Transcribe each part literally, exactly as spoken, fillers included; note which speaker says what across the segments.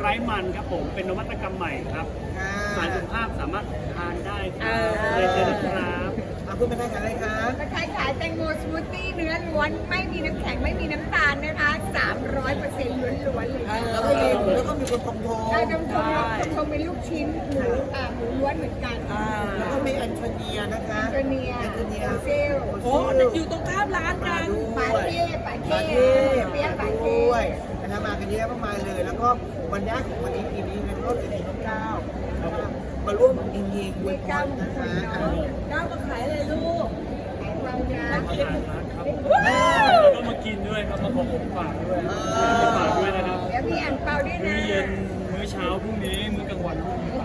Speaker 1: ร้มันครับผมเป็นนวัตกรรมใหม่ครับสารสุขภาพสามารถทานได้ครับเลยเชิญนะครับ
Speaker 2: เอาคุณเป็นใครขายอะไรคะ
Speaker 3: กระชายขายแตงโมสมูทตี้เนื้อล้วนไม่มีน้ำแข็งไม่มีน้ำตาลนะคะสามร้อยเปอร์เซ็นต์ล้วนๆเลย
Speaker 2: แล้วก็มีแล้วก็มีคนทงทง
Speaker 3: ได้ทงทงทงเป็นลูกชิ้นหมูอ่าหมูล้วนเหมือนกัน
Speaker 2: แล้วก็มีแอนโทเนียนะคะ
Speaker 3: แอนโทเนียแอนโทเนียเซล
Speaker 4: โอ้อยู่ตรงข้ามร้านกัน
Speaker 3: ปาเท่ปาเท่เปี๊ยะปาเท่
Speaker 2: ด้วยนะคะมากันเยอะมากมายเลยแล้วก็วันนี้ของวันนี้ปีนี้เป็นรถเอ็นน้องก้าวมาร่วมยิงยิงด้วยกันนะคะ
Speaker 4: ก้าวมาขายอะไรลูก
Speaker 3: ขายความยา
Speaker 1: อาหารร้านครับแล้วก็มากินด้วยครับมาขอผมฝากด้วยฝากด้วยนะครับ
Speaker 3: เดี๋ยวพี่อ่านเปาด้วยนะ
Speaker 1: มื้อเย็นมื้อเช้าพรุ่งนี้มื้อกลางวันพรุ่งนี้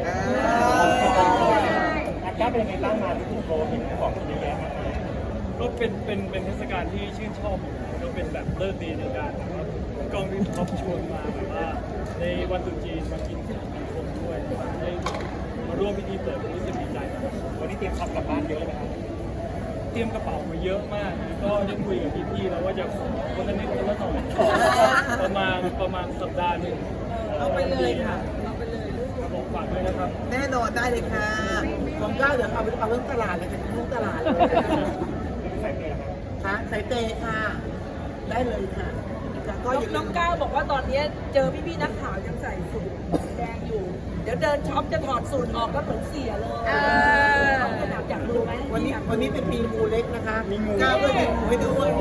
Speaker 2: อาก้าเป็นไงบ้างมาที่คุณโรเห็นของเยอะแยะ
Speaker 1: ก็เป็นเป็นเป็นเทศกาลที่ชื่นชอบก็เป็นแบบเลิศดีในการกองที่ท็อปชวนมาแบบว่าในวันตรุษจีนมากินข้าวกินคนด้วยได้มาร่วมพิธีเปิดรู้สึกดีใจครับวันนี้เตรียมทำกลับบ้านเยอะไหมครับเตรียมกระเป๋ามาเยอะมากก็ได้คุยกับพี่ๆแล้วว่าจะคนละนิดคนละหน่อยประมาณประมาณสัปดาห์หนึ่ง
Speaker 4: เอาไปเลยค่ะเอาไปเลยลูก
Speaker 1: บอกฝากด้วยนะครับ
Speaker 2: แน่นอนได้เลยค่ะของก้าวเดี๋ยวเอาไปเอาเรื่องตลาดเลยค่ะทุกตลาดเลยใส่เตะค่ะใส่เตะค่ะได้เลยค่ะ
Speaker 4: ก็น้องก้าวบอกว่าตอนนี้เจอพี่ๆนักข่าวยังใส่สูทแดงอยู่เดี๋ยวเดินช็อปจะถอดสูทออกก็เหมือนเสียเลยขนาดอยากรู้ไหม
Speaker 2: วันนี้วันนี้เป็นปีงูเล็กนะคะก้าวก็มีงูให้ด้วย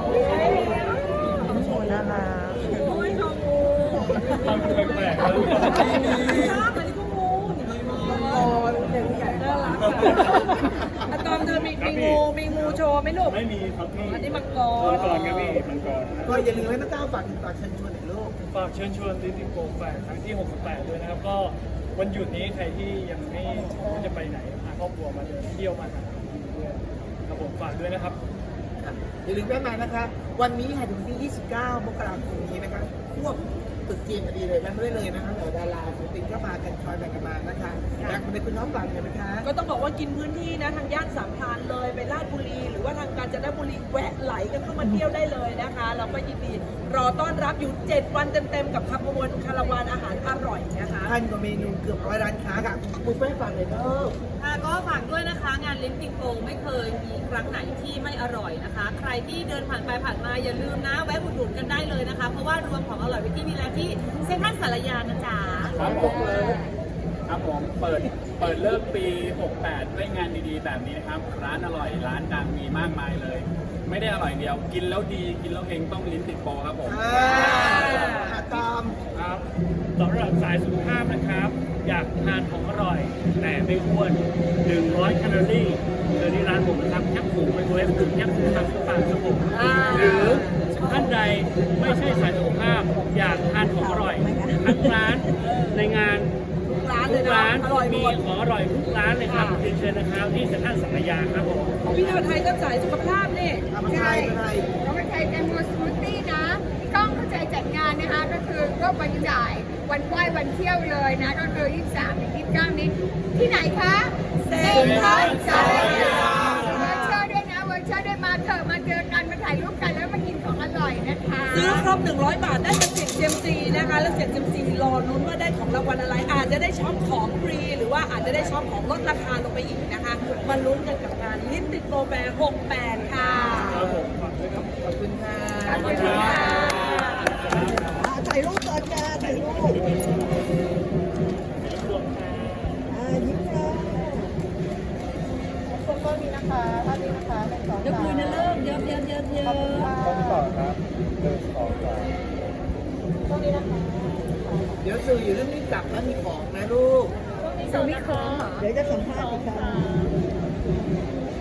Speaker 4: โชว์นะคะโอ้ยน้องงู
Speaker 1: ทำแปลกๆเลย
Speaker 4: อันนี้ก็งูโอ้ยเด็กใหญ่น่ารักอะตอมเธอมีมีงูมีงูโชว์ไหมลูก
Speaker 1: ไม่มีครับพี่
Speaker 4: อันนี้มังกร
Speaker 1: มังกรครับพี่มังกร
Speaker 2: ก็อย่าลืมให้น้องก้าวฝากฝากเชิญชวนหน่อยลูก
Speaker 1: ฝากเชิญชวนดิจิโกแฟร์ครั้งที่หกสิบแปดด้วยนะครับก็วันหยุดนี้ใครที่ยังไม่รู้จะไปไหนพาครอบครัวมาเดินเที่ยวมาหาด้วยครับผมฝากด้วยนะครับ
Speaker 2: อย่าลืมแวะมานะคะวันนี้ค่ะถึงที่ยี่สิบเก้ามกราคมนี้นะคะควบตึกจีนพอดีเลยแวะมาได้เลยนะคะเหล่าดาราศิลปินก็มากันคอยแบ่งกันมานะคะอยากเป็นคุณน้องฝากเลยนะคะ
Speaker 4: ก็ต้องบอกว่ากินพื้นที่นะทางย่านสามพรานเลยไปลาดบุรีหรือว่าทางกาญจนบุรีแวะไหลกันเข้ามาเที่ยวได้เลยนะคะเราก็ยินดีรอต้อนรับอยู่เจ็ดวันเต็มๆกับขบวนคาราวานอาหารอร่อยนะคะ
Speaker 2: พันกว่าเมนูเกือบร้อยร้านค้าค่ะคุณแม่ฝากเลยเด้อ
Speaker 5: ค่ะก็ฝากด้วยนะคะงานลิ้นปิงโกไม่เคยมีครั้งไหนที่ไม่อร่อยนะคะใครที่เดินผ่านไปผ่านมาอย่าลืมนะแวะอุดหนุนกันได้เลยนะคะเพราะว่ารวมของอร่อยไว้ที่นี่แล้วที่เซ็นทรัลสารยานะจ๊ะ
Speaker 1: ครับผมครับผมเปิดเปิดเลิกปีหกแปดด้วยงานดีๆแบบนี้นะครับร้านอร่อยร้านดังมีมากมายเลยไม่ได้อร่อยเดียวกินแล้วดีกินแล้วเฮงต้องลิ้นติดโปรครับผม
Speaker 2: ตาม
Speaker 1: ครับสำหรับสายสุขภาพนะครับอยากทานของอร่อยแต่ไม่อ้วนหนึ่งร้อยแคลอรี่เจอที่ร้านผมนะครับแคปหมูไมโครเวฟถึงแคปหมูทำสุขภาพครับผมหรือท่านใดไม่ใช่สายสุขภาพอยากทานของอร่อยทั้งร้านในงานทุกร้านมีของอร่อยทุกร้านเลยครับเรียนเชิญนะครับที่เซ็นทรัลสารยาครับผม
Speaker 4: พี่นวดไทยก็สายสุขภาพนี่
Speaker 3: ใช่น้องไทยแตงโมสมูทตี้นะพี่ก้องเข้าใจจัดงานนะคะก็คือก็วันจ่ายวันไหว้วันเที่ยวเลยนะก็คือยี่สิบสามถึงยี่สิบเก้านี้ที่ไหนคะเซ็นทรัลสารยาเวอร์เชอร์ด้วยนะเวอร์เชอร์ด้วยมาเถอะมาเจอกันมาถ่ายรูปกันแล้วมากินของอร่อยนะคะ
Speaker 4: ซื้อครบหนึ่งร้อยบาทได้เป็นเสียงเซียมซีนะคะแล้วเสียงเซียมซีรอลุ้นว่าได้ของรางวัลอะไรอาจจะได้ช็อปของฟรีหรือว่าอาจจะได้ช็อปของลดราคาลงไปอีกนะคะมาลุ้นกันกับงานลิ้นติดโปรแฟร์หกแปดค่ะ
Speaker 1: ครับผมฝากด้วยครับ
Speaker 2: ขอบคุณค่ะ
Speaker 4: ขอบคุณค่ะ
Speaker 2: ถ่ายรูปก่อนค่ะถ่ายรูปยิ้มค่ะคนก็มีนะคะท่านนี้นะคะเป็นสอง
Speaker 4: เดี๋ยวคุยนะเลิกเยอะเยอะเยอะเยอะ
Speaker 2: ต้องต่อครับเดินต่อครับตรงนี้นะคะเดี๋ยวสื่ออยู่เรื่องนี้กลับแล้วมีของนะลูก
Speaker 3: สวัสดีค่ะ
Speaker 2: เดี๋ยวจะสัมภาษณ์อีกครั้ง